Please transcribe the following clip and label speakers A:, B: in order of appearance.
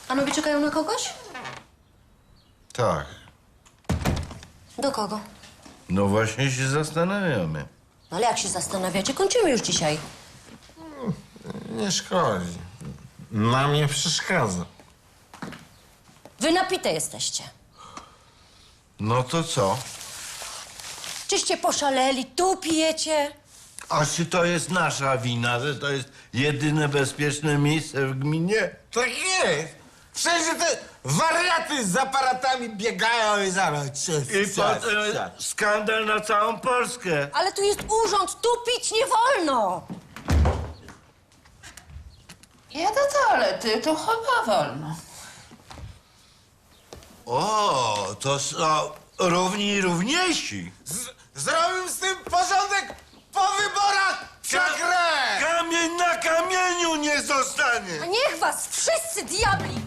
A: Panowie czekają na kogoś?
B: Tak.
A: Do kogo?
B: No właśnie się zastanawiamy.
A: No ale jak się zastanawiacie, kończymy już dzisiaj.
C: Nie szkodzi. Nam nie przeszkadza.
A: Wy napite jesteście.
B: No to co?
A: Czyście poszaleli, tu pijecie.
B: A czy to jest nasza wina, że to jest jedyne bezpieczne miejsce w gminie?
C: Tak jest. Wszędzie te wariaty z aparatami biegają i zaraz...
B: I potem skandal na całą Polskę.
A: Ale tu jest urząd, tu pić nie wolno.
D: Ja do toalety, to chyba wolno.
B: O, to są równi i równiejsi.
C: Zrobił z tym porządek po wyborach! Przegrę!
B: Kamień na kamieniu nie zostanie.
A: A niech was wszyscy diabli